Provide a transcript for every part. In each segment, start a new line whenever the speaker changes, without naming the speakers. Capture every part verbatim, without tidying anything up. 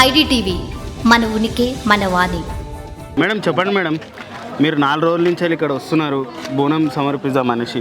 IDTV మన ఉనికి మన వాణి.
మేడం చెప్పండి మేడం, మీరు నాలుగు రోజుల నుంచి ఇక్కడ వస్తున్నారు బోనం సమర్పిద్దాం మనిషి.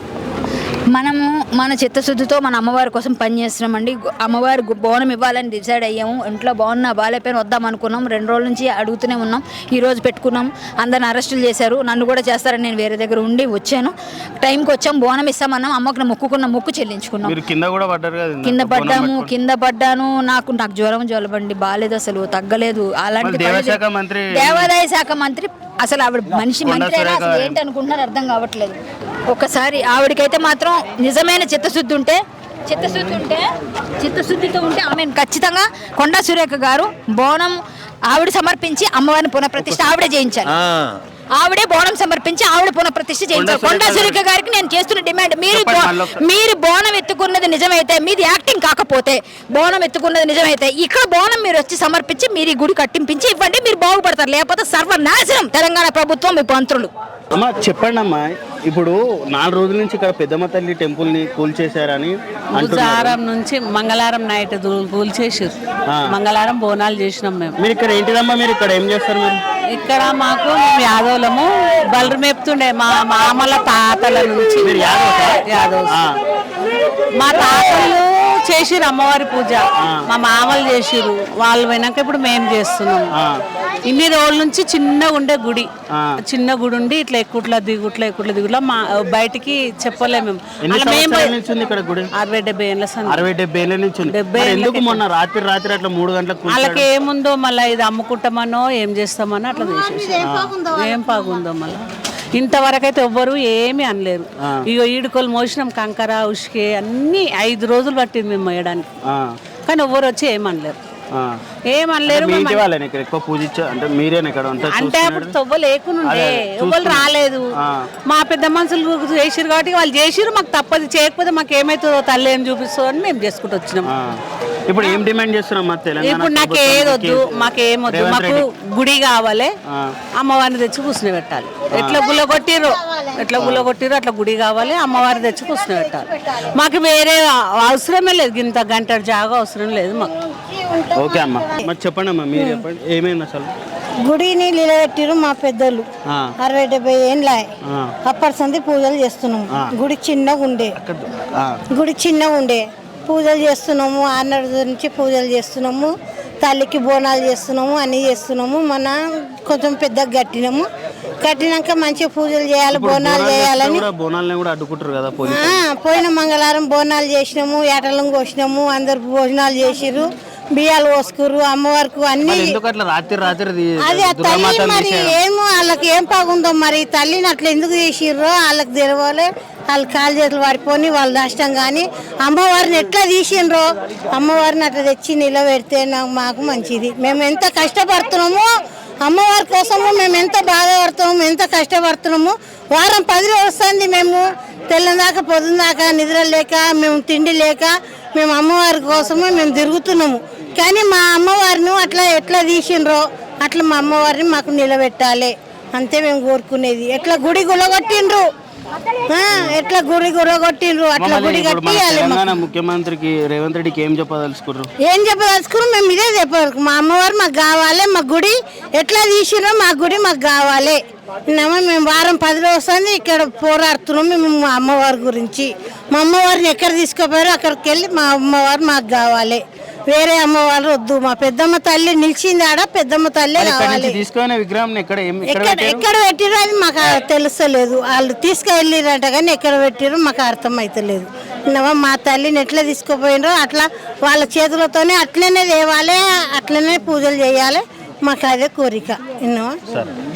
మనము మన చిత్తశుద్ధితో మన అమ్మవారి కోసం పనిచేస్తున్నామండి. అమ్మవారి బోనం ఇవ్వాలని డిసైడ్ అయ్యాము. ఇంట్లో బాగున్నా బాగాలేపోయినా వద్దాం అనుకున్నాం. రెండు రోజుల నుంచి అడుగుతూనే ఉన్నాం. ఈ రోజు పెట్టుకున్నాం. అందరిని అరెస్టులు చేశారు. నన్ను కూడా చేస్తారని నేను వేరే దగ్గర ఉండి వచ్చాను. టైంకి వచ్చాం, బోనం ఇస్తామన్నాం. అమ్మకు మొక్కుకున్న మొక్కు చెల్లించుకున్నాం.
కింద కూడా పడ్డారు కదా?
కింద పడ్డాము కింద పడ్డాను నాకు నాకు జ్వరం జ్వలబండి బాగాలేదు, అసలు తగ్గలేదు. అలాంటి దేవాదాయ శాఖ మంత్రి అసలు ఆవిడ మనిషి మంత్రి అసలు ఏంటి అనుకుంటున్నారు అర్థం కావట్లేదు. ఒకసారి ఆవిడకైతే మాత్రం నిజమైన చిత్తశుద్ధి ఉంటే చిత్తశుద్ధి ఉంటే చిత్తశుద్ధితో ఉంటే ఆమె ఖచ్చితంగా కొండా సురేఖ గారు బోనం ఆవిడ సమర్పించి అమ్మవారిని పునఃప్రతిష్ఠ ఆవిడే చేయించాలి. ఆవిడే బోనం సమర్పించి ఆవిడ పునఃప్రతిష్ఠ చేయించాలి. కొండా సురేఖ గారికి నేను చేస్తున్న డిమాండ్, మీరు మీరు బోనం ఎత్తుకున్నది నిజమైతే, మీది యాక్టింగ్ కాకపోతే, బోనం ఎత్తుకున్నది నిజమైతే ఇక్కడ బోనం మీరు వచ్చి సమర్పించి మీరు ఈ గుడి కట్టింపించి ఇవ్వండి, మీరు బాగుపడతారు. లేకపోతే సర్వనాశనం తెలంగాణ ప్రభుత్వం మీ మంత్రులు.
అమ్మ చెప్పండి అమ్మా, ఇప్పుడు నాలుగు రోజుల నుంచి ఇక్కడ పెద్దమ్మ తల్లి టెంపుల్ ని కూల్చేశారని
బుధవారం నుంచి మంగళవారం నైట్ కూల్చేసారు. మంగళవారం బోనాలు చేసినాం మేము.
మీరు ఇక్కడ ఏంటిదమ్మా, మీరు ఇక్కడ ఏం చేస్తారు? మీరు
ఇక్కడ మాకు మేము యాదవులము బలరు మేపుతుండే మా మామల తాతల నుంచి. యాదవ్ మా తాతలు చేసిరు అమ్మవారి పూజ, మా మామలు చేసిరు. వాళ్ళు పోయినాక ఇప్పుడు మేము చేస్తున్నాం. ఇన్ని రోజుల నుంచి చిన్నగా ఉండే గుడి, చిన్న గుడి ఉండి ఇట్లా ఎక్కుట్ల దిగుట్ల ఎక్కుట్ల దిగుట్ల మా బయటికి చెప్పలేము మేము. అరవై డెబ్బై ఏళ్ళ
అరవై డెబ్బై ఏళ్ళ నుంచి
డెబ్బై
మొన్న రాత్రి రాత్రి అట్లా మూడు గంటలకు
వాళ్ళకి ఏముందో మళ్ళీ ఇది అమ్ముకుంటామనో ఏం చేస్తామనో అట్లా చేసేసి ఏం బాగుందో మళ్ళీ. ఇంతవరకు అయితే ఎవ్వరు ఏమీ అనలేరు. ఇగో ఈడుకోలు మోసినాం, కంకర ఉష్కే అన్ని ఐదు రోజులు పట్టింది మేము మోయడానికి, కానీ ఎవ్వరు వచ్చి ఏమనలేరు ఏమనలేరు. అంటే అప్పుడు తొవ్వ లేకునుండే ఎవ్వరు రాలేదు. మా పెద్ద మనుషులు చేసిరు కాబట్టి వాళ్ళు చేసిరు, మాకు తప్పదు. చేయకపోతే మాకు ఏమైతుందో తల్లి ఏం చూపిస్తుందో అని మేము చేసుకుంటూ వచ్చినాం.
ఇప్పుడు ఏం డిమాండ్ చేస్తున్నాం?
ఇప్పుడు నాకు ఏదొద్దు, మాకేమొద్దు, మాకు గుడి కావాలి, అమ్మవారిని తెచ్చి కూర్చుని పెట్టాలి. ఎట్లా గుల్ల కొట్టిర్రు ఎట్లా గుల్ల కొట్టిర్రు అట్లా గుడి కావాలి, అమ్మవారిని తెచ్చి కూర్చుని పెట్టాలి. మాకు వేరే అవసరమే లేదు, ఇంత గంట జాగా అవసరం లేదు మాకు.
ఓకే అమ్మా, మరి చెప్పండి అమ్మా, మీరు చెప్పండి ఏమైంది అసలు?
గుడిని నిలబెట్టిరు మా పెద్దలు అరవై డెబ్బై ఏళ్ళ అప్పటి సంది పూజలు చేస్తున్నాము. గుడి చిన్నగా ఉండే గుడి చిన్నగా ఉండే పూజలు చేస్తున్నాము. ఆన్నడు నుంచి పూజలు చేస్తున్నాము, తల్లికి బోనాలు చేస్తున్నాము, అన్నీ చేస్తున్నాము. మన కొంచెం పెద్దగా కట్టినాము. కట్టినాక మంచిగా పూజలు చేయాలి, బోనాలు చేయాలని పోయిన మంగళవారం బోనాలు చేసినాము, ఏటలను కోసినాము, అందరు భోజనాలు చేసిర్రు, బియ్యాలు పోసుకురు అమ్మవారికి అన్ని. అది ఆ తల్లి మరి ఏమో వాళ్ళకి ఏం బాగుందో మరి తల్లిని అట్లా ఎందుకు చేసిర్రో వాళ్ళకి తెలవాలి. వాళ్ళు కాలు చేతులు పడిపోయి వాళ్ళు నష్టం. కానీ అమ్మవారిని ఎట్లా తీసిండ్రో అమ్మవారిని అట్లా తెచ్చి నిలబెడితే నాకు మాకు మంచిది. మేము ఎంత కష్టపడుతున్నామో అమ్మవారి కోసము, మేము ఎంత బాధపడుతున్నాము, ఎంత కష్టపడుతున్నాము. వారం పది రోజులు వస్తుంది, మేము తెల్లందాకా పొద్దుందాకా నిద్ర లేక, మేము తిండి లేక, మేము అమ్మవారి కోసము మేము తిరుగుతున్నాము. కానీ మా అమ్మవారిని అట్లా ఎట్లా తీసిండ్రో అట్లా మా అమ్మవారిని మాకు నిలబెట్టాలి అంతే మేము కోరుకునేది. ఎట్లా గుడి గులగొట్టిండ్రు ఎట్లా గుడి గులగొట్టిండ్రు అట్లా గుడి కట్టియాలి.
ముఖ్యమంత్రికి రేవంత్ రెడ్డికి ఏం చెప్పదలుచుకున్నారు?
ఏం చెప్పదలుచుకున్నారు? మేము ఇదే చెప్పారు, మా అమ్మవారు మాకు కావాలి, మా గుడి ఎట్లా తీసిండ్రో మా గుడి మాకు కావాలి. మేము వారం పది రోజులు వస్తుంది ఇక్కడ పోరాడుతున్నాము మేము మా అమ్మవారి గురించి. మా అమ్మవారిని ఎక్కడ తీసుకుపోయారో అక్కడికి వెళ్ళి మా అమ్మవారు మాకు కావాలి, వేరే అమ్మవారు వద్దు. మా పెద్దమ్మ తల్లి నిలిచింది ఆడ, పెద్దమ్మ తల్లి కావాలి. ఎక్కడ పెట్టిరో అది మాకు తెలుస్తలేదు. వాళ్ళు తీసుకువెళ్ళిరంట కానీ ఎక్కడ పెట్టిరో మాకు అర్థం అవుతలేదు. మా తల్లిని ఎట్లా తీసుకుపోయినరో అట్లా వాళ్ళ చేతులతోనే అట్లనే తేవాలి, అట్లనే పూజలు చేయాలి. మాకు అదే కోరిక. విన్నావా?